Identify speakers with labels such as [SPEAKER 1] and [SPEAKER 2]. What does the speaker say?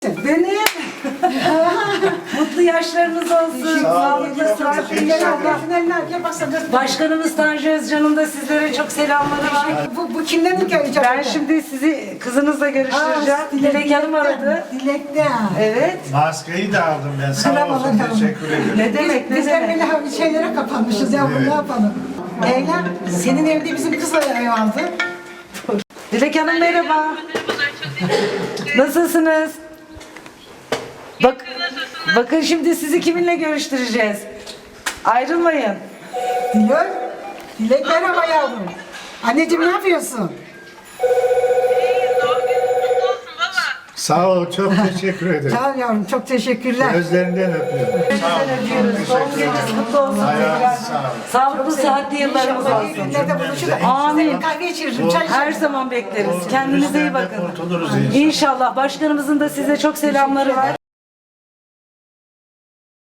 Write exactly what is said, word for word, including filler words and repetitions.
[SPEAKER 1] Benim. Mutlu yaşlarınız olsun. Sağlıklı, sıhhatli inşallah. Başkanımız Tanju Özcan'ın da sizlere çok selamları var.
[SPEAKER 2] Bu, bu kimden göreceğim?
[SPEAKER 1] Ben şimdi sizi kızınızla görüştüreceğim. Dilek Hanım aradı.
[SPEAKER 2] Dilek'te.
[SPEAKER 1] Evet.
[SPEAKER 3] Maskeyi de aldım ben. Sağ
[SPEAKER 2] Selam
[SPEAKER 3] olsun.
[SPEAKER 2] aleyküm.
[SPEAKER 3] Teşekkür ederim.
[SPEAKER 1] Ne demek, ne
[SPEAKER 2] Bizler
[SPEAKER 1] demek.
[SPEAKER 2] böyle bir şeylere kapanmışız ya,
[SPEAKER 3] Evet.
[SPEAKER 2] ne yapalım? Eylem, senin evde bizim kızla ev aldı.
[SPEAKER 1] Dilek Hanım merhaba. Nasılsınız? Bak, bakın şimdi sizi kiminle görüştüreceğiz. Ayrılmayın.
[SPEAKER 2] Diyor. Dilek merhaba yavrum. Anneciğim ne yapıyorsun?
[SPEAKER 3] Sağ ol. Çok teşekkür ederim.
[SPEAKER 2] Sağ ol yavrum, çok teşekkürler.
[SPEAKER 3] Gözlerinden öpüyorum. Sağ olun.
[SPEAKER 1] Öpüyoruz. Doğum gününüz kutlu olsun.
[SPEAKER 3] Hayatınız sağ olun.
[SPEAKER 1] Sağlıklı, sıhhatli yıllarınız
[SPEAKER 2] İnşallah iyi
[SPEAKER 1] olsun.
[SPEAKER 2] günlerde buluşuruz.
[SPEAKER 1] Amin.
[SPEAKER 2] Size kahve içiririm, çay
[SPEAKER 1] Her
[SPEAKER 2] içiririm.
[SPEAKER 1] zaman bekleriz. Kendinize iyi
[SPEAKER 3] Bizden de
[SPEAKER 1] bakın.
[SPEAKER 3] kurtuluruz inşallah.
[SPEAKER 1] İnşallah. Başkanımızın da size çok selamları var.